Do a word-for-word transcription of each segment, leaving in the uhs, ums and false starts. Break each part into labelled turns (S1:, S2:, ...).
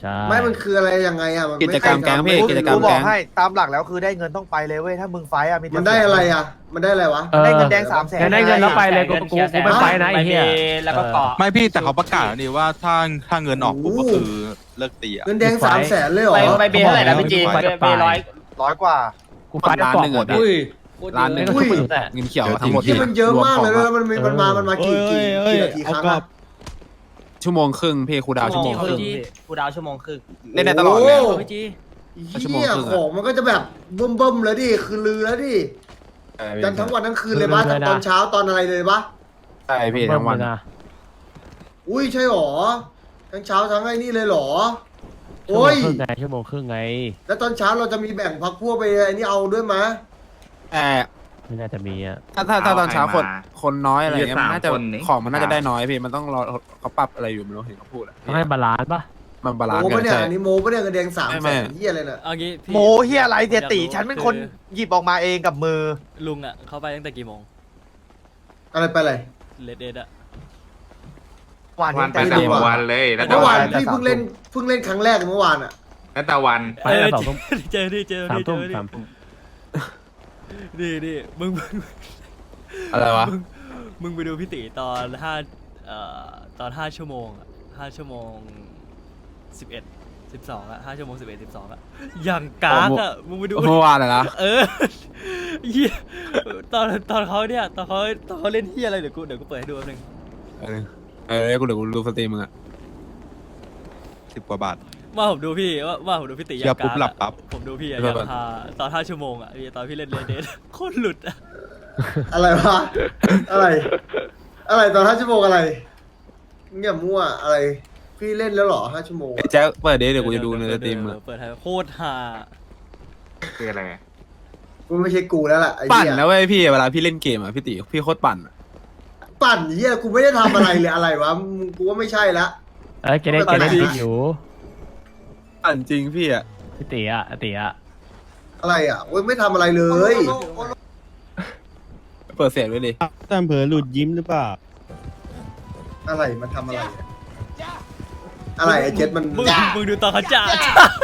S1: ใช่
S2: ไม่มันคืออะไรยังไงอ่ะมัน
S3: กิจกรรมแก๊งพี่กิจกรรม
S4: กูบ
S3: แก๊
S4: อก
S3: ง
S4: ให้ตามหลักแล้วคือได้เงินต้องไปเลยเว้ยถ้ามึงไฟอ่ะมีแต่
S2: มันได้อะไรอ่ะ มันได้อะไรวะ
S1: ออ
S4: ได้เงินแดงสามแสน
S1: งั้นได้เงินแล้วไปเลยกูกูกูไม่ไปนะไอ้เหี้ย
S5: แล้วก็เกาะ
S6: ไม่พี่แต่เขาประกาศแล้วนี่ว่าถ้าถ้าเงินออกปุ๊บก็คือเลิกตีอ่ะ
S2: เงินแดงสามแสนเลยเหรอ
S5: ไปไปเบเท่าไหร่นะพี่จี
S1: ไป
S5: เบร้อย
S4: ร้อยกว่า
S1: กูไปได้กล่องหมด
S3: อุ้ย
S1: ร้า
S3: ร้าน น
S1: ห
S3: ห
S1: นึ
S3: นึ่
S1: ง
S3: ง
S1: ก็
S2: อุ้ย
S1: ชุบแต่
S3: เงินเขียวทั้งหมด
S2: ที่มันเยอะมากเลยแล้วมันมีมันมามันมากี่กี่กี่นาทีครั้งอ่ะ
S3: ชั่วโมงครึ่งพี่ครูดาวชั่วโมงครึ่ง
S5: กูดาวชั่วโมงครึ่ง
S3: เล่นได้ตลอดเลย
S2: โโห
S5: พี่จี
S3: ชั่วโมง
S2: เหี้ย
S3: ครึ่งอะ
S2: ของมันก็จะแบบเบิ่มๆแล้วดิคือลือแล้วดิจันทั้งวันทั้งคืนเลยปะทั้งตอนเช้าตอนอะไรเลยปะ
S3: ใช่พี่ทั้งวัน
S1: นะ
S2: อุ้ยใช่หรอทั้งเช้าทั้งไอ้นี่เลยหรอ
S1: ชั่วโม
S2: โอ้
S1: ง
S2: ย
S1: ครึ่งไงชั่วโมงครึ่งไง
S2: แล้วตอนเช้าเราจะมีแบ่งพักพวกไปไอ้นี่เอาด้วยมะ
S3: แต่
S1: ไม่น่าจะมีอ่ะ
S3: ถ้าถ้าถ้าตอนเช้าคนคนน้อยอะไรเงี้ย
S7: มี
S3: มัน
S7: สาม
S3: น่าจะ
S7: คนนี่
S3: ของมันน่าจะได้น้อยพี่มันต้องรอเขาปรับอะไรอยู่ไม่รู้เห็นเขาพูดอะ
S1: ต้องให้บาลานซ์ปะ
S3: มันบาลานซ์
S2: โม
S3: กั
S2: ปะ
S3: น
S2: เนี่ย
S3: ใช่
S2: อันนี้โมปะเนี่ยเงินแดงสาม
S3: ไม่
S2: แส
S3: ไม่
S2: นเหี้ยอะไรน่ะ
S8: เอางี้พี่
S4: โมเฮียอะไรเดียตีฉันเป็นคนหยิบออกมาเองกับมือ
S8: ลุงอ่ะเขาไปตั้งแต่กี่โมง
S2: อะไรไปเลย
S8: เลดเดดอ่ะ
S4: วัน
S7: วัน
S4: นี้
S7: ไป
S4: แต่
S7: แต่
S4: ดีกว่า
S7: วันเลยแล้วแต่
S2: เมื่อวา
S7: วัน น
S2: พี่เพิ่งเล่นเพิ่งเล่นครั้งแรกเมื่อวานอ่ะ
S7: แล้วแต่วัน
S1: ไปตั้งแต่สองทุ่ม
S8: เจอดิเจอ
S1: สาม
S8: ดิเจ
S1: ทุ่ม
S8: อดิ
S1: สามทุ่ม
S8: ดิดิมึงมึง
S3: อะไรวะ
S8: มึงมึงไปดูพี่ติตอนห้าเอ่อตอนห้าชั่วโมงอ่ะห้าชั่วโมงสิบเอ็ดสิบสองอ่ะห้าชั่วโมงสิบเอ็ดสิบสองอ่ะอย่างกากอ่ะมึงไปดู
S3: เมื่อวานอะนะ
S8: เออเหี้ยตอนตอนเขาเนี่ยตอนเขาตอนเขาเล่นเฮียอะไรเดี๋ยวกูเดี๋ยวกูเปิดให้ดูแป๊บนึง
S3: เออเออกูเดี๋ยวกูดูสตรีมมึงอะ
S6: สิบกว่าบาท
S8: ว่าผมดูพี่ว่าว่าผมดูพี่ติ
S6: เหี้ยปุ๊บหลับปั๊บ
S8: ผมดูพี่อะอย่างฮาตอนห้าชั่วโมงอ่ะพี่ตอนพี่เล่นเลดเดนโคตรหลุดอ่ะ
S2: อะไรวะอะไร อะไรตอนห้าชั่วโมงอะไรเงียบมั่วอะไร พี่เล่นแล้วเหรอห้าชั่วโมง
S3: ไอ้แจ๊คเปิดเดย์เดี๋ยวกูจะดูในสตรีมมึงอะ
S8: เปิดให้โคตรฮา
S7: คืออะไร
S2: กูไม่ใช่กูแล้วล่ะไอ้
S3: ปั่น
S2: เหี้ย
S3: นะเว้ยพี่เวลาพี่เล่นเกมอะพี่ติพี่โคตรปั่นอะ
S2: ปั่นเหี้ยกูไม่ได้ทำอะไรเลยอะไรวะมึงกูว่าไม่ใช่ละ
S1: เอ้ยแกได้แกได้จริงอยู่
S3: ปั่นจริงพี่อะ
S1: พี่ตีอ่ะตีอ่ะ
S2: อะไรอ่ะโอ้ยไม่ทำอะไรเลย
S3: เปิดเสียงไว้ดิ
S9: ตามเผลอหลุดยิ้มหรือเปล่า
S2: อะไรมันทำอะไรอะอะไรไอ้เจ็ดมัน
S8: มึงมึงดูตอนเขาจ่า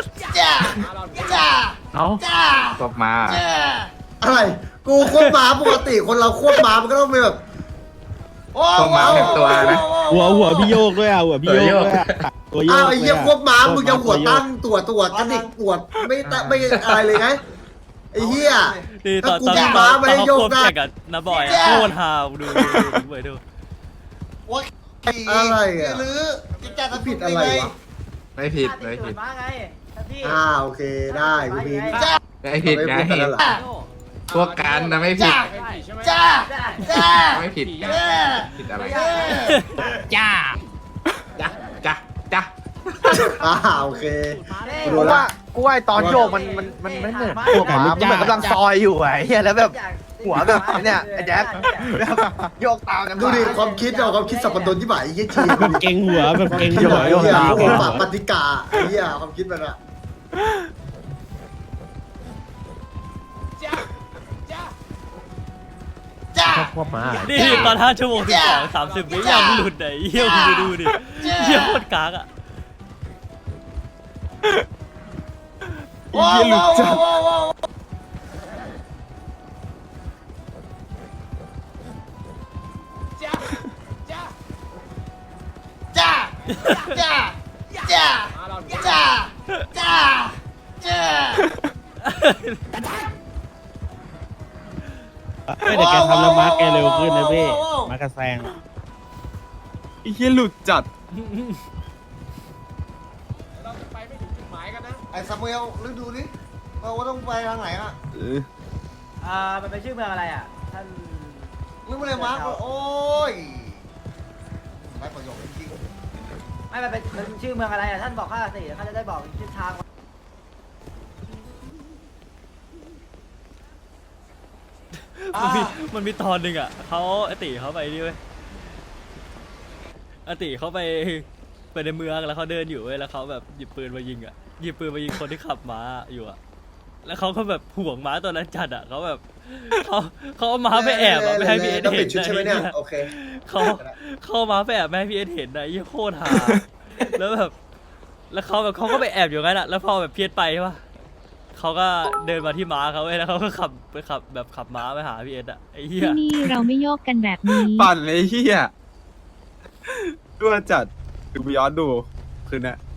S1: เอ้า
S7: ตบมา
S2: อะไร กูควบม้าปกติคนเราควบม้ามันก็ต้องมีแบบ
S7: ตบมาเต็มตัวนะ
S9: หัวหัวพี่โยกด้วยอ่ะหัวพี่โยกด้วยอ่ะตัวโยก
S2: อ้าวไอ้
S9: เล
S2: เหี้ย
S9: ย
S2: ควบม้ามึงจะหัวตั้ง
S9: ตั
S2: ตัวตัวกระดิกปวดไม่ตะไม่อะไรเลยไงไอ้เหี้ย
S8: นี่ตอนตอน
S2: ถ้ากู
S8: ตอน
S2: ม้าไม่
S8: ตอน
S2: ได้
S8: เขา
S2: โยก
S8: ควบ
S2: ได้
S8: แข่งกับน้าบอยอะโคตรฮาดูดูดูเปิดดู
S2: อะไรอ่ะผิดอะไรวะ
S7: ไม่ผิดไม่ผิด
S2: อ่าโอเคได้กูมี
S7: ไม่ผิดไง
S2: ไม่พูดกันแล้วเหรอ
S7: พวกกันนะไม่ผิดไม่ผิดผิดอะไรจ้าจ้าจ้าจ้า
S2: อ่าโอเคกู
S4: กู
S2: รู้ละ
S4: ว่ากูว่าไอ้ตอนโยกมันมันมันไม่เหมือนหัวหมามันเหมือนกำลังซอยอยู่อะไอ้เฮียแล้วแบบหัวแบบไอ้เนี่ยไอ้แจ๊คแบบโยกตามกัน
S2: ดูดิความคิดเอาความคิดสับปะรดที่ไหนไอ้เหี้ยชี
S9: แบบเก่งหัวแบบเก่ง
S2: ที่
S9: หั
S2: ไหน
S9: ว
S2: เหี้ย
S9: ตาม
S2: โอ้ปากปฏิกาไอ้เหี้ยความคิดมันอะ
S1: ชอบควบม้า
S8: นี่ตอนห้าชั่วโมงสิบสองสามสิบวิยังหลุดไหนเยี่ยมงไปดูดิเยี่ยโคตรกากอ่ะ
S3: เยี่ยหลุดจัด
S9: ไม่แต่แกทำแล้วมาร์กแกเร็วขึ้นนะพี่มาร์กกระแซง
S3: ไอ้เหี้ยหลุดจัด
S2: ไอ้ซามูเอลลึกดูดิเราว่าต้องไปทางไหนอะ
S3: เออ
S5: อ่ามันเป็นชื่อเมืองอะไรอ่ะท่าน
S2: ลึกไปเลยมาร์คโอ้ยไม่ประโยชน์จริง
S5: ไม่มันเป็นมันชื่อเมืองอะไรอ่ะท่านบอกข้าสิข้าจะได้บอกทิศทาง
S8: มันมีมันมีตอนหนึ่งอ่ะเขาอติเขาไปนี่เว้ยอติเขาไปไปในเมืองแล้วเขาเดินอยู่เว้ยแล้วเขาแบบหยิบปืนมายิงอ่ะหยิบปืนมายิงคนที่ขับม้าอยู่อ่ะแล้วเขาก็แบบห่วงม้าตัวนั้นจัดอ่ะเขาแบบเขาเขาเอาม้าไปแอบอ่ะไม่ให้พี่เอส
S2: ต้อง
S8: เห็
S2: ปิ
S8: น
S2: ดชุดใช่ไหมเนี่ยโอเค
S8: เขาเขาเอาม้าไปแอบไม่ให้พี่เอสเห็นนะยี่โคตรหาแล้วแบบแล้วเขาแบบเขาก็ไปแอบอยู่งั้นอะแล้วพอแบบเพี้ยนไปใช่ปะเขาก็เดินมาที่ม้าเขาเว้ยแล้วเขาก็ขับไปขับแบบขับม้าไปหาพี่เอสอะไอ้เหี้ย
S10: ที่นี่เราไม่โยกกันแบบนี้
S6: ปั่นเลยเฮียด้วยจัดดูไปย้อนดูคืนน่ะ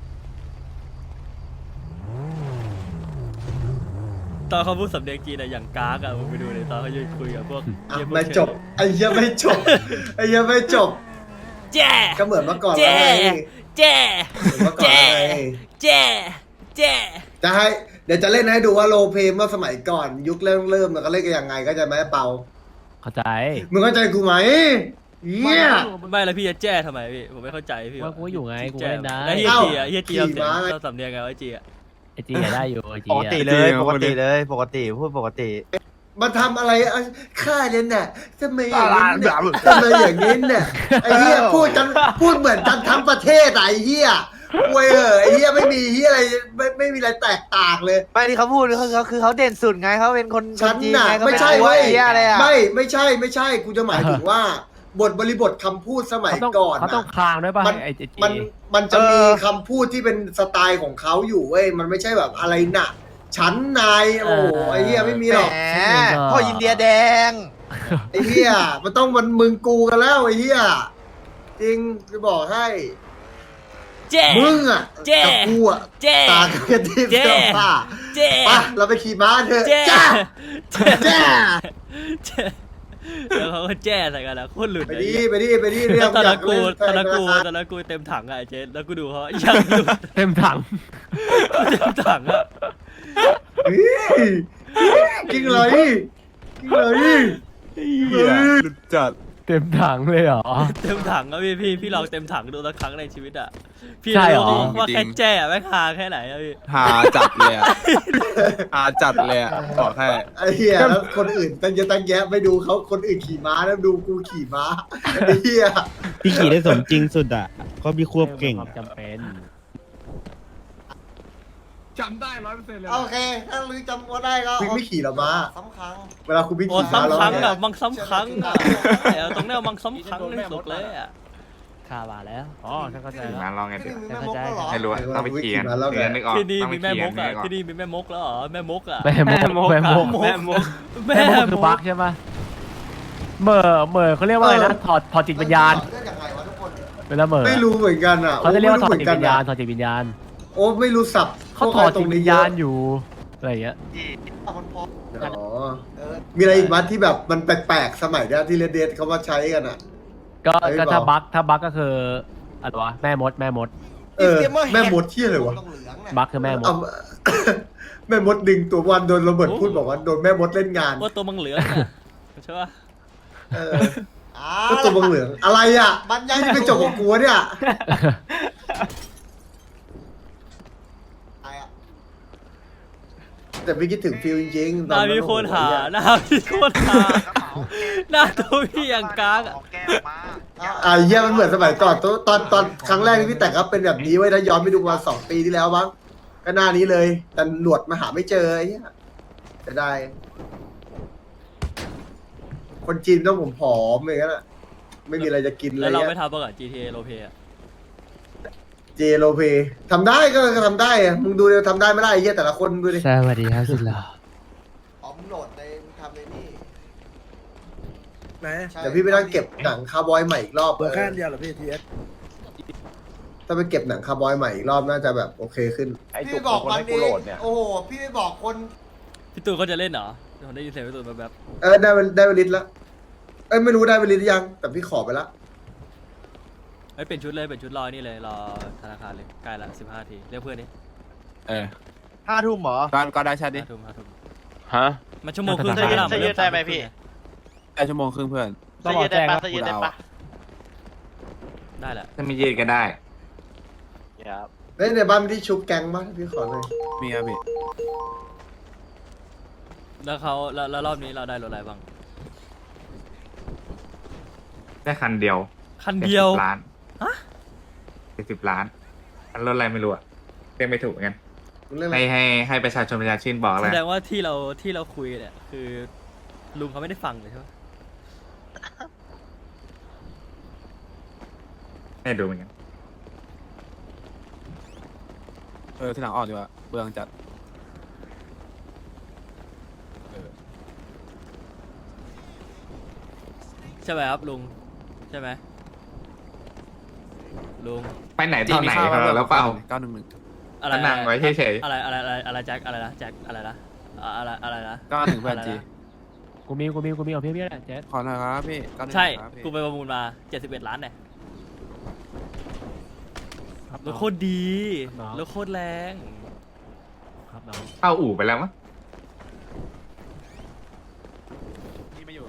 S8: ตอนเขาพูดสำเนียงจีนอะอย่างกากอะมึงไปดูเลยตอนเขายืนคุยกับพวก
S2: อ่ะ
S8: เหี้ยพวก
S2: ไม่จบไอ้เหี้ยไม่จบไอ้เหี้ยไม่จบ
S8: แจ้
S2: ก็เหมือนเมื่อก่อน
S8: แจ้
S2: แล้วไง
S8: แจ้
S2: เหมือนเมื่อก่อน
S8: แจ้
S2: แล้วไง
S8: แจ้แจ้
S2: จะให้เดี๋ยวจะเล่นให้ดูว่าโรลเพลย์เมื่อสมัยก่อน ยุคเริ่มเริ่มมันก็เล่นกันยังไงก็จะไหมเปา
S1: เข้าใจ
S2: มึงเข้าใจกูไหมเหี้ย
S8: ไม่แล้วพี่จะแจ้ทำไมพี่ผมไม่เข้าใจพี่
S1: ว่ากูก็อยู่ไงกูก็เล่นได้
S8: แล้วเฮีย
S2: เอ้า
S8: จีอะเฮียจี
S2: ขี่
S8: เรา
S2: ม้าไง
S8: เราสำเนียงไงวะจีอะ
S1: ไอจีอะได้อยู่ไอจี
S4: ปก
S1: อะ
S4: ติเลยปกติเลยปกติพูดปกติ
S2: มาทำอะไรอ่ะฆ่าเนี่ยน่ะทำไมอย่างนี้เนี่ยทำไมอย่างนี้เนี่ยไอ้เหี้ยพูดกันพูดเหมือนกันทั้งประเทศอ่ะไอ้เหี้ยเว้ยเออไอ้เหี้ยไม่มีเหี้ยอะไรไม่ไม่มีอะไรแตกต่างเลย
S4: ไม่ที่เขาพูดคือเขาคือเขาเด่นสุดไงเขาเป็นคน
S2: ฉัน
S4: จีน
S2: น่ะ
S4: ไงเขา
S2: ไม่ใช่
S4: ว่า
S2: เว้ย
S4: ไอ้เหี้ยอะไรอ่ะ
S2: ไม่ไม่ใช่ไม่ใช่กูจะหมายถึงว่า บทบริบทคำพูดสมัย
S1: เขาต้อง
S2: ก่อน
S1: เขาต้อง
S2: น่ะ
S1: คลางด้วยป่ะ
S2: มัน
S1: ไอจี
S2: มันมันจะมีคำพูดที่เป็นสไตล์ของเขาอยู่เว้ยมันไม่ใช่แบบอะไรน่ะฉันนายโอ้ไอ้เหี้ยไม่มีหรอก
S4: แหมพ่ออินเดียแดง
S2: ไอ้เหี้ยมันต้องมันมึงกูกันแล้วไอ้เหี้ยจริงจะบอกให้
S8: แจ้
S2: มึงอ่ะ
S8: เจ๊
S2: กับกูอ่ะ
S8: แจ้
S2: ตากันกระทิบ
S8: เจ๊
S2: เสื้อผ้า
S8: แจ้
S2: ไปเราไปขี่ม้าเถอะ
S8: แจ้
S2: จ้า
S8: แจ้
S2: จ้า
S8: แจ้แล้วเขาก็แจ้ใส่กันนะโคตรหลุด
S2: ไป
S8: เลย
S2: ดิไปดิไปดิเรื่
S8: แล้
S2: อ
S8: ว
S2: ง
S8: ตอน
S2: อยา
S8: นั้น
S2: ก
S8: กู
S2: เล่น
S8: ตอนนั้นกู
S2: ธาคาร
S8: ตอนนั้นกูเต็มถังอะไอ้เจ๊แล้วกูดูเขายังหลุด
S1: เต็มถัง
S8: เต็มถังอะ
S2: เฮ้ยจริงเลยจริงเลย
S6: เฮียหลุดจัด
S1: เต็มถังเลยเหรอ
S8: เต็มถังอะพี่พี่พี่ลองเต็มถังดูสักครั้งในชีวิตอะพี่
S1: ใช่เหรอ
S8: รู้ว่าแค่แจ้แม่งฮาแค่ไหนอะพี่
S6: หาจัดเลยอะหาจัดเลยอะบอกให้
S2: ไอ้เหี้ยแล้วคนอื่นตั้งเยอะตั้งแยะไปดูเขาคนอื่นขี่ม้าแล้วดูกูขี่ม้าไอ้เหี้ย
S9: พี่ขี่ได้สมจริงสุดอ่ะเขามีควบเก่ง
S1: ความจำเป็น
S3: จำได้ร้อยเปอร์เซ็นต์เลย
S2: โอเคถ้าลือจำว่าได้ก็พี่ไม่ขี่หรอม้า
S5: สำคัญ
S2: เวลาคุณพี่
S8: โอ้
S2: ขี่ม้า
S8: ซ้ำ
S2: แล้ว
S8: ครั้ง
S2: เนี่
S8: อะ
S2: ย
S8: มังซ้ำครั้งอะเอาตรงเนี้ยมังซ้ำครั้งที่สุดเลยอะ
S1: ข่าวมาแล้วอ๋อฉันเข้าใจ
S7: ขี่
S1: แล้ว
S7: ม้าลองไง
S5: ที่
S7: ดิ
S5: นี่มีแม่มดแล้วเหรอ
S7: ไม่รู้อะต้องไปขี่กันเดี๋ยวนึกออก
S8: ที่นี่
S7: ต้องไป
S8: มีแม่
S7: ขี่
S8: ม
S7: กัน
S8: ก
S7: นึ
S8: อะ
S7: กออก
S8: ที่นี่มีแม่มกแล้วเหรอแม่มกอะ
S1: แม่มกแม่มก
S8: แม่มก
S1: แม่มกคือบักใช่ปะเหม่อเหม่อเขาเรียกว่าอะไรนะถอดถอดจิตวิญญาณ
S2: เรื่องยังไงวะทุกคน
S1: เวลาเหม่อ
S2: ไม่รู้เหมือนกันอ่ะ
S1: เขาจะเรียกว่าถอด
S2: ไม่
S1: จิต
S2: เหมื
S1: วิญญาณ
S2: อะ
S1: ถอดจิตวิญญาณ
S2: โอ้ไม่รู้สับ
S1: เขาถอดจิตวิญญาณอยู่อะไรอย่างเงี้ย
S2: อ๋อมีอะไรอีกมั้ยที่แบบมันแปลกๆสมัยเนี้ยที่เรดเดเขามาใช้กันอ่ะ
S1: ก็
S2: เฮ้ย
S1: ก็ถ้า
S2: เปล่า
S1: บักถ้าบักก็คืออะไรวะแม่มดแม่มด
S2: เออแม่มดที่อะไรวะ
S1: บักคือแม่มด
S2: เอา แม่มดดึงตัววันโดนโรเบิร์ตพูดบอกว่าโดนแม่มดเล่นงาน
S8: ว่าตัวมังเหลืองอะใช่ปะ
S2: เออก็ตัวบังเหลืองอะไรอ่ะนี่เป็นจบของกูวะเนี่ย แต่ไม่คิดถึงฟิลจริงๆ
S8: หน้าพี่โคนหาหน้าพี่โคนหาหน้าตัวพี่อย่างกากอะ
S2: อ่าเยี่ยมันเหมือนสมัยก่อนตอนตอนตอนครั้งแรกที่พี่แต่งครับเป็นแบบนี้ไว้ถ้าย้อนไปดูมาสองปีที่แล้วบ้างก็หน้านี้เลย แต่หนวดมาหาไม่เจอไอ้เหี้ยจะได้ คนจีนต้องผมผอมอย่างนั้นอะไม่มีอะไรจะกินเล
S8: แล้
S2: ยว
S8: เรา
S2: เงี้
S8: ไม่
S2: ย
S8: ทำบ้างอะ จี ที เอ โรเพอะ
S2: เจโรเพทำได้ก็ทำได้อะมึงดูเดี๋ยวทำได้ไม่ได้ไอ้เหี้ยแต่ละคนดูดิ
S9: สวัสดีครับสุดหล่อ
S2: อ๋อมโหลดในมึงทำในนี่
S3: ไหน
S2: เดี๋ยวพี่ไปนั่งเก็บหนังคาร์บอยใหม่อีกรอบ
S3: เบอร์
S2: เอ
S3: แค่
S2: อ
S3: เดียวเหรอพี่ทีเอส
S2: ถ้าไปเก็บหนังคาร์บอยใหม่อีกรอบน่าจะแบบโอเคขึ้น
S4: พี่บอกมันเองโอ้โห
S2: พี่ไม่บอกคน
S8: พี่ตูนเขาจะเล่นเหรอผมได้ยินเสียงพี่ตูนแบบ
S2: เออได้เวลได้เวลิตแล้วเอ้ยไม่รู้ได้เวลิตหรือยัง แต่พี่ขอไปละ
S8: เฮ้ยเปลี่ยนชุดเลยเปลี่ยนชุดรอนี่เลยรอธนาคารเลยใกล้ละสิบห้าทีเรียกเพื่อนดิ
S6: เออ
S4: ห้าทุ่มเหรอ
S6: ก็ก็ได้ชาดิ
S8: ห้าทุ่มห้าทุ่ม
S7: ฮะ
S8: มันชั่วโมงครึ่ง
S1: จะยืด
S8: เวลา
S1: จะยืด
S8: ได้ไหมพี่
S6: ได้ชั่วโมงครึ่งเพื่อน
S1: ต้องรอแจ้งครับ
S6: กูเดาอะ
S8: ได้แหละ
S7: ถ้าไม่ยืดก็ได้
S2: เฮ้ยในบ้านมีที่ชุบแกงบ้างพี่ขอหน่อย
S6: มีครับพี่
S8: แล้วเขาแล้วแล้วรอบนี้เราได้รถอะไรบ้าง
S7: ได้คันเดียว
S8: คันเดียว
S7: จ็สิบล้าน
S8: ฮะ
S7: เจ็ดสิบล้านอันรถอะไรไม่รู้อะเรียกไม่ถูกเหมือนกัน
S2: มึงเรื่องอะไร
S7: ให้ให้ให้ประชาชนประชาชื่นบอก
S8: แส
S7: เลย
S8: ดงว่าที่เราที่เราคุยเนี่ยคือลุงเขาไม่ได้ฟังเลยใช่ปะ
S7: ให้ดูเหมือนกัน
S6: เออทีหลังออกดีกว่าเบืองจัด
S8: ใช่ไหมครับลุงใช่ไหมลุง
S7: ไปไหนตอนไหนครับแล้วเปล่า
S6: เก้าหนึ่งหนึ่ง
S8: อะไร
S7: นั่งไว้เฉย
S8: อะไรอะไรอะไรอะไรแจ็คอะไรนะแจ็คอะไรนะอะอะไรอะไรนะ
S6: เก้าหนึ่งเพื่อน
S8: อะไร
S6: จี
S8: นะ
S1: กูมีกูมีกูมีเอาเพี้ยเพี้ยแหละเจ๊
S6: ขอหน่อยครับพี่เก้าหนึ่ง
S8: ใช่
S6: ครับพี่
S8: กูไปประมูลมาเจ็ดสิบเอ็ดล้านเนี่ย
S1: ครับ
S8: ร
S1: น้
S8: ถ
S1: อง
S8: โคตรดี
S1: น้อง
S8: รถโคตรแรง
S1: ครับน้อง
S7: ๆเข้าอู่ไปแล้วมั้ง
S6: นี่ไม่อยู่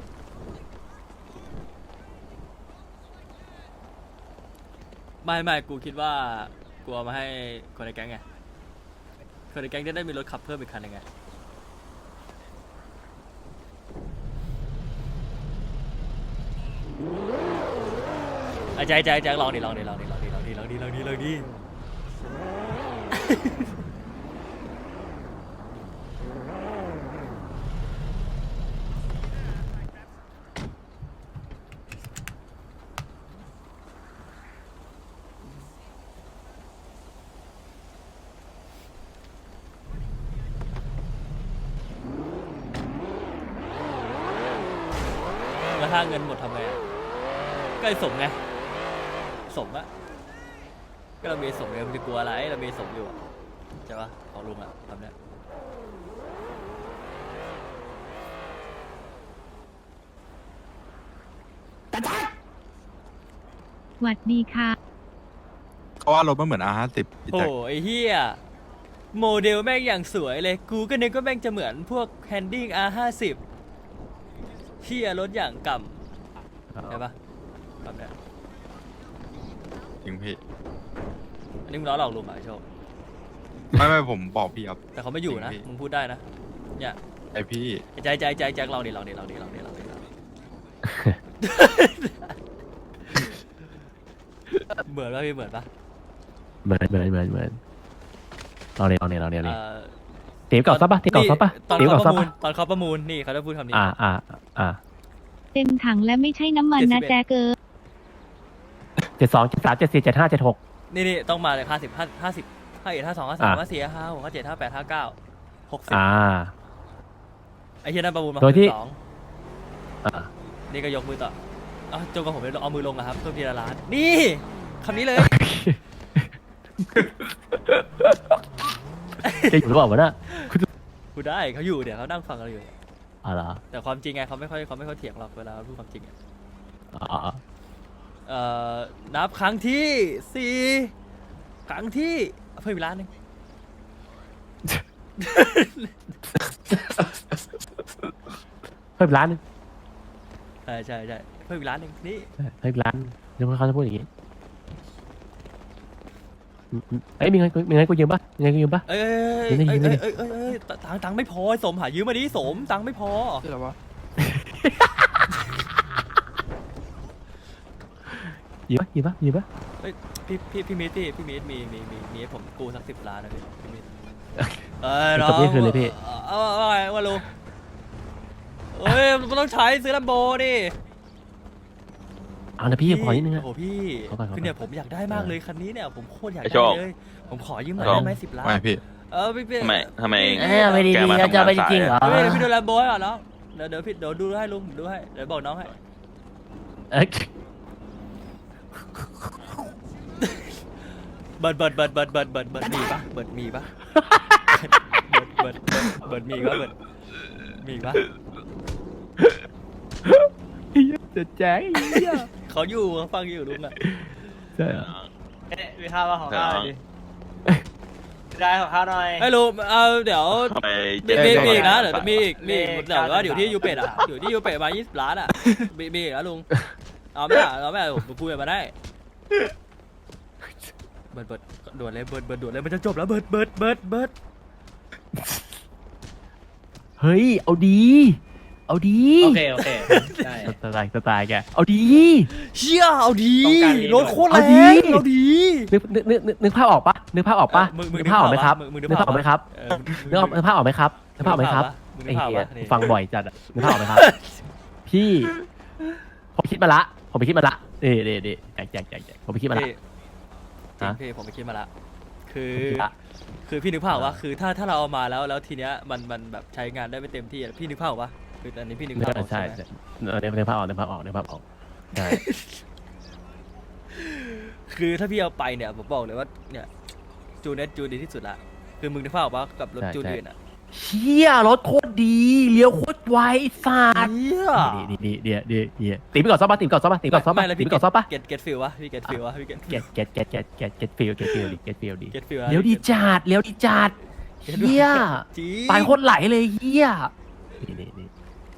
S8: ไม่ไม่กูคิดว่ากูเอามาให้คนในแก๊งไงคนในแก๊งจะได้มีรถขับเพิ่มอีกคันหนึงไงไอ้แจ็คแจ็คแจ็คลองดิลองดิลองดิลองดิลองดิลองดิลองดิลองดิ แล้วถ้าเงินหมดทำไงอะก็ไอ้สมไงสมอะก็เรามีสมไงมันจะกลัวอะไรเรามีสมอยู่อะใช่ปะของลุงอะทำเนี้ย
S10: หวัดดีค่ะ
S3: เขาว่ารถมันเหมือน อาร์ ห้าสิบ พี่
S8: โอ้
S3: แจ็ค
S8: ไอ้เหี้ยโมเดลแม่งอย่างสวยเลยกูก็นึกว่าแม่งจะเหมือนพวกแฮนดิ้ง อาร์ ห้าสิบ เหี้ยรถอย่างกำใช่ปะแบบเนี้ย
S3: จริงพี่
S8: อันนี้มึงล้อหลอกลุงเหรอไอ้โชค
S3: ไม่ไม่ผมบอกพี่ครับ
S8: แต่เขาไม่อยู่นะ
S3: จริงพี่
S8: มึงพูดได้นะเนี่ย
S3: ไอพี่
S8: ใจใจใจใจลองดิลองดิลองดิลองดิลองดิลองดิเหมือนปะพี่เหมือนปะ
S1: เหมือนเหมือนเหมือนเหมือนเราเนี่ยเราเนี่ยเราเนี่ย
S8: เอ่
S1: เนี่ย
S8: อ
S1: ตีเก่าซับปะตีเก่าซับปะ
S8: ตอน
S1: ตี
S8: เขา
S1: เก่า
S8: ป
S1: ซับ
S8: ระมูล
S1: ปะ
S8: ตอนเขาประมูลนี่เขาจะพูดคำนี้
S1: อ่าอ่าอ่า
S10: เต็มถังและไม่ใช่น้ำมันนะ
S8: เจ็ดสิบเอ็ด
S10: แจ๊กเกอร์
S1: เจ็ดสองเจ็ดสามเจ็ดสี่เจ็ดห้าเจ็ดหก
S8: นี่นี่ต้องมาเลยห้าสิบห้าห้าสิบห้าเอ็ดห้าสองห้าสาม
S1: อ่ะ
S8: ห้าสี่ห้าหกห้าเจ็ดห้าแปดห้าเก้าหกสิบ
S1: อ่า
S8: ไอ้เฮียนั่นประมูลมา
S1: โดยที่
S8: สอง
S1: อ่า
S8: นี่ก็ยกมือต่อเอาจงกับผมเลยเอามือลงอะครับเพิ่มทีละล้านนี่คำนี้เลย
S1: จะอยู่หรือเปล่าวะน่ะ
S8: พูดได้เขาอยู่เดี๋ยวเขานั่งฟังเราอยู่
S1: อ๋อเหรอ
S8: แต่ความจริงไงเขาไม่ค่อยเขาไม่ค่อยเถียงหรอกเวลาพูดความจริงอะ
S1: อ๋อ
S8: เอ่อนับครั้งที่สี่ครั้งที่เพิ่มอีกล้านหนึ่ง
S1: เพิ่มร้านหนึง
S8: ใช่ใช่ใช่เพิ่มอีกล้านหนึ่งนี่
S1: เพิ่มร้านเดี๋ยวเขาจะพูดอย่างงี้อืมอืมเอ้ยมีเงินมีเงินกูยืมปะมีเงินกูยืมปะ
S8: เอ้ยเอ้ย
S1: ยืมได้
S8: เอ้ย
S1: ยืมได้
S8: เอ้ยเอ้ยเอ้ยเอ้ยตังค์ตังค์ไม่พอไอ้สมหายืมมาดิสมตังค์ไม่พอ
S6: คืออะไรวะ
S1: ยืมปะยืมปะยืมปะ
S8: พี่พี่พี่มิตรพี่พี่มิตรมีมีมีมีให้ผมกู้สักสิบล้านนะพี่พี่มิตรเอ้ย
S1: เป็น
S8: น้อ
S1: คน
S8: ง
S1: นี้คืนเลยพี่
S8: เอาเอาเอาไงวะลุงเอ้ยมันต้องใช้ซื้อลัมโบดิ
S1: เอานะพี่ขอนิดนึงอะ
S8: โอ้โหพี่
S1: ขอก่อนขอก่อน
S8: คือเนี่ยผมอยากได้มากเลยคันนี้เนี่ยผมโคตรอยาก
S9: ไอ้
S8: ได้
S9: โชค
S8: เลยผมขอยืมหน่อย
S9: ไอ้โชค
S8: ได้ไหมสิบล้าน
S3: ไม่พี่
S8: เออพี่พี่
S9: ทำไมทำไม
S1: เอ้ยไม่ดี
S9: แก
S1: ๆ
S9: มา
S1: เราจะไปจ
S9: ทำงาน
S1: ริงๆเหรอ
S8: เฮ้ยเดี๋ยวพี่ดูลัมโบให้ก่อนน้องเดี๋ยวเดี๋ยวพี่เดี๋ยวดูให้ลุงดูให้เดี๋ยวบอกน้องให้
S1: เอ้ย
S8: เบิร์ดเบิร์ดเบิร์ดเบิร์ดเบิร์ดเบิร์ดเบิร์ดมีปะเบิร์ดมีปะเบิร์ดเบิร์ดเบิร์ดเบิร์ดมีปะเบิร์ดมีปะ
S1: จะแจ้งไอ้เหี้ย
S8: เขาอยู่เขาฟังอยู่ลุงอ่ะ
S1: ใช่เหรอ
S5: เอ๊ะมีข้าวมาของข้าวหน่อยดิได้ของข้าวหน่อย
S8: ไอ้ลุงเอาเดี๋ยว
S9: ทำไม
S8: มีมีมีอีกนะเดี๋ยว
S9: ไป
S8: มีอีกมีอีก
S5: เลข
S8: เดี๋ยวว่า
S5: เก้า
S8: อยู่ที่ยูเป็ดอ่ะอยู่ที่ยูเป็ดมายี่สิบล้านอ่ะมีมีอีกนะลุงเอาไหมล่ะเอาไหมล่ะผมคุยกันมาได้เบิร์ดเบิร์ดด่วนเลยเบิร์ดเบิร์ดด่วนเลยมันจะจบแล้วเบิร์ดเบิร์ดเบิร์ดเบิร์ด
S1: เฮ้ยเอาดี เอาดี
S5: โอเคโอเคได้
S1: สไตล์สไตล์แกเอาดี
S8: เชี่ยเอาดี
S5: ต้องการดี
S8: รถโคตรแร
S1: เอาดี
S8: งเอาดี
S1: นึกนึกนึกนึกนึกภาพออกปะนึกภาพออกปะ
S8: เออมึงมึง
S1: นึกภาพออกไหมครับ
S8: มึงมึงนึ
S1: นึ
S8: ก
S1: ก
S8: ภา
S1: ภา
S8: พ
S1: พออกไหมครับ
S8: เออ
S1: นึกออกนึกภาพออกไหมครับนึกภาพออกไหมครับ
S8: มึงนึ
S1: ไอ้
S8: กภาพ
S1: เหี้ย
S8: ปะนี่
S1: ฟังบ่อยจัดอะนึกภาพออกไหมครับ พี่ผมคิดมาละผมไปคิดมาละเด็ดเด็ดแจกแจกแจกแจกผมไปคิดมาละ
S8: พี่จริง
S1: ฮะ
S8: พี่ผมไปคิดมาละ คคือ
S1: อะ
S8: คือพี่นึกภาพว่าคือถ้าถ้าเราเอามาแล้วแล้วทีเนี้ยมันมันแบบใช้งานได้ไม่เต็มที่อะพี่นึกภาพว่าคืออันนี้พี่นึกภาพออก
S1: ใช่
S8: ใช่ไหม
S1: เออเดี๋ยวเดี๋ยวภาพออกเดี๋ยวภาพออกเดี๋ยวภาพออกใช่
S8: คือถ้าพี่เอาไปเนี่ยผมบอกเลยว่าเนี่ยจูเน็ตจูดีที่สุดละคือมึงนึกภาพออกว่ากับรถจูนอื่นอ่ะ
S1: เชี่ยรถโคตรดีเลี้ยวโคตรไวสัตว์
S8: เหี้ย
S1: ดีดีดีดีดีดีตีไปก่อนซ้อมป่ะตีไปก่อนซ้อมป่ะตีไปก่อนซ้อมป่ะ
S8: ไม่แล้ว
S1: ตี
S8: พี่
S1: ไปก่อนซ้อมป่ะ
S8: เก็ตเก็ตฟิลวะพี่เก็ตฟิลวะพี่เก็ต
S1: เก็ตเก็ตเก็ตเก็ตเก็ตเก็ตฟิลเก็ตฟิลดีเก็ตฟิลดี
S8: เก็ตฟิล
S1: เลี้ยวดีจัดเลี้ยวดีจัดเฮีย
S8: จริง
S1: ปานโคตรไหลเลยเฮียนี่นี่นี่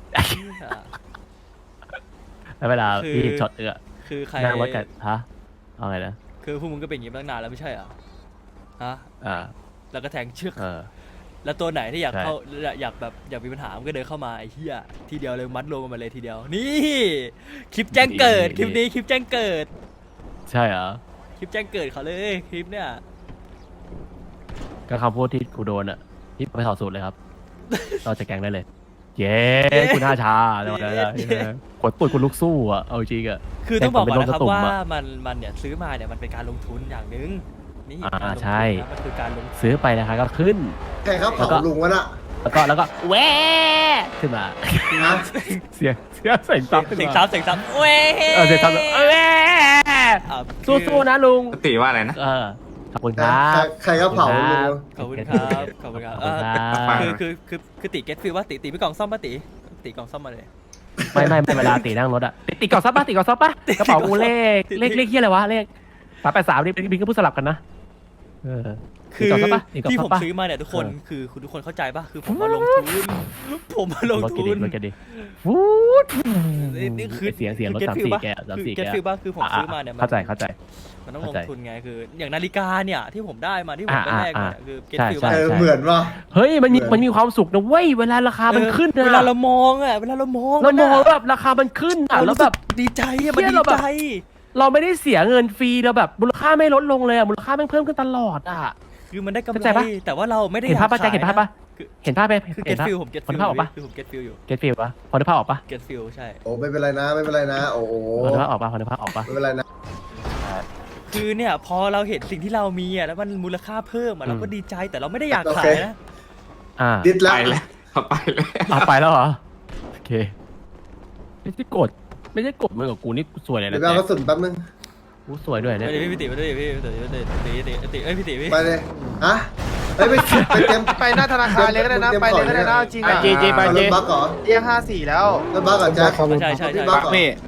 S1: แล้วเวลาพี่ช็อตเอื้อ
S8: คือใคร
S1: นั่งรถกันฮะเอาไงนะ
S8: คือพวกมึงก็เป็นอย่างนี้มาตั้งนานแล้วไม่ใช่เหรอฮะ
S1: อ่า
S8: แล้วก็แทงเชือก
S1: เออ
S8: แล้วตัวไหนที่อยาก
S1: ใช่
S8: เข้าอยากอยากแบบอยากมีปัญหามันก็เดินเข้ามาไอ้เหี้ยทีเดียวเลยมัดรวมกันมาเลยทีเดียว นี่คลิปแจ้งเกิดคลิปนี้คลิปแจ้งเกิด
S1: ใช่เหรอ
S8: คลิปแจ้งเกิดเขาเลยคลิปเนี่ย
S1: ก็คำพูดที่กูโดนอ่ะที่ไปถอดสูตรเลยครับ เราจะแกงได้เลย เย้คุณห้าชาแล้วนะกดปุ่นคุณลุกสู้อ่ะเอาจริงอ่ะ
S8: คือต้องบอกก่อนนะครับ
S1: แต่ผมเป็นโรคกระตุ่ม
S8: ว่า
S1: อะ
S8: มันมันเนี่ยซื้อมาเนี่ยมันเป็นการลงทุนอย่างหนึ่งนี่
S1: อ่า
S8: การลงทุน
S1: ใช่
S8: นะมันคือการลงทุน
S1: ซื้อไปนะคะก็ขึ้น
S2: ใครเขา
S1: แล้ว
S2: เผา
S1: ก็
S2: ลุงวะน่ะ
S1: แล้วก็แล้วก็แหวขึ้นมา
S2: ฮะ
S1: เสียงเสียงเสียงซับขึ้น
S8: เสียง
S1: มา
S8: ซับเสียงซับเว้ย
S1: เออเสียงซับแหว
S8: อ่ะ
S1: สู้ๆนะลุง
S7: ตีว่าอะไรนะ
S1: เออขอบคุณค
S2: ใคร
S1: รับ
S2: ใครเขาเผาลุงวะ
S8: ขอบคุณครับขอบคุณครับ
S1: ขอบคุณครับ
S8: เออคือคือคือคือติเก็ตฟิลว่าติติไปกล่องซ่อมป่ะติติกล่องซ่อมมาเลย
S1: ไม่ไม่ไม่เวลาตีนั่งรถอะติดติดกล่องซับปะติดกล่องซับปะกระเป๋ากูเลข
S8: ติด
S1: เลขเลขเฮียอะไรวะเลขสามแปดสามนี่บินก็พูดสลับกันนะเออ
S8: คือ
S1: ติดกล่องซับปะติดกล่อง
S8: ที่
S1: ซั
S8: ผ
S1: บ
S8: ม
S1: ปะ
S8: ซื้อมาเนี่ยทุกคน
S1: เออ
S8: คือคุณทุกคนเข้าใจป่ะคือผมมาลงทุนผมมาลง
S1: รถ
S8: ทุ
S1: กันดิ
S8: น
S1: รถกันดิฟูด
S8: นี่นี่คือ
S1: เสียงเสียงรถ
S8: คือ
S1: สาม
S8: get feel
S1: สี่
S8: ปะ
S1: แกะสาม
S8: คือ
S1: สี่
S8: get
S1: แกะ
S8: feel ป่ะคือผม
S1: อ่ะ
S8: ซื้อมาเนี่ยมัน
S1: เข้าใจเข้าใจ
S8: มันต้องล
S1: เข้าง ใจ
S8: ทุนไงคืออย่างนาฬิกาเนี่ยที่ผมได้มาที่ผมได้
S1: อ่า
S8: แรกมา
S1: อ่า
S8: คือ get
S1: ใช่
S8: feel
S1: ใช่
S8: ป่ะ
S2: เออเหมือนว่ะ
S1: เฮ้ยมันมี
S2: เหมือน
S1: มันมีความสุขนะเว้ยเวลาราคามันขึ้นนะ
S8: เวลาเรามองอ่ะเวลาเรามอง
S1: เรามอง
S8: ะ
S1: แบบราคามันขึ้นอ่ะ
S8: เรา
S1: แล้ว
S8: รู้
S1: แบ
S8: สึ
S1: บ
S8: กดีใจอะมัน
S1: เหี้ย
S8: ดี
S1: เราแบบ
S8: ใจ
S1: เราไม่ได้เสียเงินฟรีเราแบบมูลค่าไม่ลดลงเลยอ่ะมูลค่าแม่งเพิ่มขึ้นตลอดอ่ะ
S8: คือมันได้กำ
S1: เข้า
S8: ไร
S1: ใจปะ
S8: แต่ว่าเราไม่ได้
S1: เห็นภาพปะ
S8: อย
S1: แจ็คเห็นภาพปะ
S8: คือ
S1: เห็นภาพไหม
S8: คือ
S1: เห็
S8: get
S1: นภาพ
S8: feel ผม get
S1: พอ
S8: feel
S1: นึกภาพออกปะ
S8: คือผม get feel อยู่
S1: เก็ตฟิลปะพอนึกภาพออกปะ
S8: get feel ใช่
S2: โอ้ไม่เป็นไรนะไม่เป็นไรนะ โอ้โห
S1: พอนึกภาพออกปะพอนึกภาพออกปะ
S2: ไม่เป็นไรนะ
S8: คือเนี่ยพอเราเห็นสิ่งที่เรามีอ่ะแล้วมันมูลค่าเพิ่มอ่ะ
S1: อืม
S8: เราก็ดีใจแต่เราไม่ได้อยาก
S2: โอ
S8: ขา
S2: เค
S8: ยนะ
S1: อ่า
S2: ดิด
S7: ไป
S2: ละ
S7: แล้วเขาไปแล้ว
S1: เอาไปแล้วเหรอโอเคไม่ใช่กดไม่ใช่กดเหมือนกับกูนี่กูสวยเลย
S2: เดี๋ย
S1: นะ
S2: วไปเอาก
S1: แต่
S2: ระสุนแป๊บนึง
S1: กูสวยด้วยเนี่ย
S8: ไปดิพี่ติไปดิพี่ติไปดิพี่ติไปดิพี่ติเอ้ยพี่ติพี่
S2: ไปเลยฮะเฮ้ยไปไปเต็ม
S4: ไปหน้าธนาคารเลยก็ได้นะ ไปเลยก็ได้นะจริง
S9: ไป
S4: อ่ะ
S9: เจเจไป
S2: เอา
S9: เจ
S2: รถบัสก่อน
S4: เรียกห้าสี่แล้ว
S2: รถบัสก่อนแจ็ค
S8: ใช่ใช่
S2: พี่
S8: ใช่
S2: บัสก่อน
S6: นี่